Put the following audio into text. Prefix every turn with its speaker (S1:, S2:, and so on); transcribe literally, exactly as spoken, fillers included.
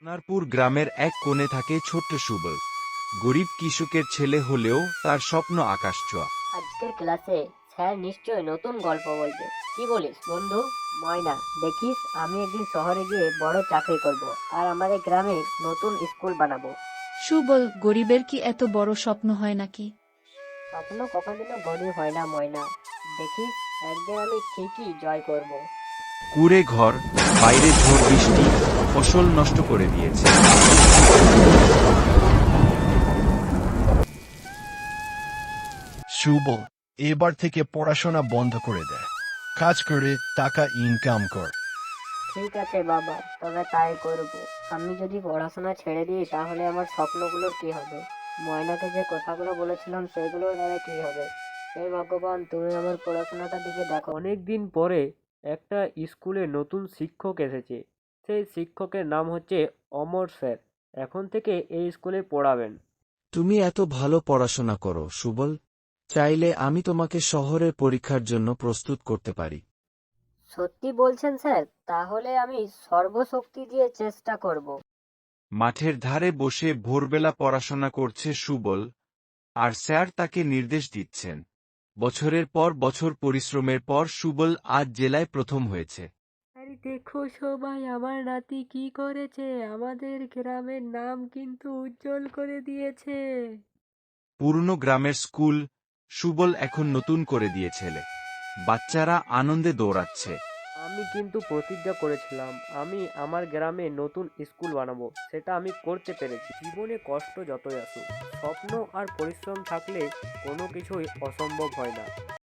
S1: সোনারপুর গ্রামের এক কোণে থাকে ছোট্ট সুবল। গরিব কৃষকের ছেলে হলেও তার স্বপ্ন আকাশছোঁয়া।
S2: আজকের ক্লাসে স্যার নিশ্চয় নতুন গল্প বলবে। কি বলিস বন্ধু? ময়না, দেখিস আমি একদিন শহরে গিয়ে বড় চাকরি করব আর আমাদের গ্রামে নতুন স্কুল বানাবো।
S3: সুবল, গরিবের কি এত বড় স্বপ্ন হয় নাকি?
S2: স্বপ্ন কখনো বড় হয় না ময়না, দেখিস একদিন আমি ঠিকই জয় করব।
S1: কুঁড়ে ঘর, বাইরে ঝড় বৃষ্টি ফসল নষ্ট করে দিয়েছে।
S4: সুবল, এবার থেকে পড়াশোনা বন্ধ করে দেয়, কাজ করে টাকা ইনকাম কর।
S2: ঠিক আছে বাবা, তবে তাই করব। আমি যদি পড়াশোনা ছেড়ে দিই তাহলে আমার স্বপ্নগুলোর কি হবে? ময়নাকে যে কথাগুলো বলেছিলাম সেগুলোর দ্বারা কি হবে? হে ভগবান, তুমি আমার পড়াশোনাটার দিকে দেখো।
S5: অনেক দিন পরে একটা স্কুলে নতুন শিক্ষক এসেছে। সেই শিক্ষকের নাম হচ্ছে অমর স্যার। এখন থেকে এই স্কুলে পড়াবেন।
S1: তুমি এত ভালো পড়াশোনা করো সুবল, চাইলে আমি তোমাকে শহরের পরীক্ষার জন্য প্রস্তুত করতে পারি।
S2: সত্যি বলছেন স্যার? তাহলে আমি সর্বশক্তি দিয়ে চেষ্টা করব।
S1: মাঠের ধারে বসে ভোরবেলা পড়াশোনা করছে সুবল, আর স্যার তাকে নির্দেশ দিচ্ছেন। বছরের পর বছর পরিশ্রমের পর সুবল আজ জেলায় প্রথম হয়েছে।
S5: আরে দেখো সবাই, আমার নাতি কি করেছে! আমাদের গ্রামের নাম কিন্তু উজ্জ্বল করে দিয়েছে।
S1: পুরনো গ্রামের স্কুল সুবল এখন নতুন করে দিয়েছেলে। বাচ্চারা আনন্দে দৌড়াচ্ছে।
S5: আমি কিন্তু প্রতিজ্ঞা করেছিলাম আমি আমার গ্রামে নতুন স্কুল বানাবো, সেটা আমি করতে পেরেছি। জীবনে কষ্ট যতই আসুক, স্বপ্ন আর পরিশ্রম থাকলে কোনো কিছুই অসম্ভব হয় না।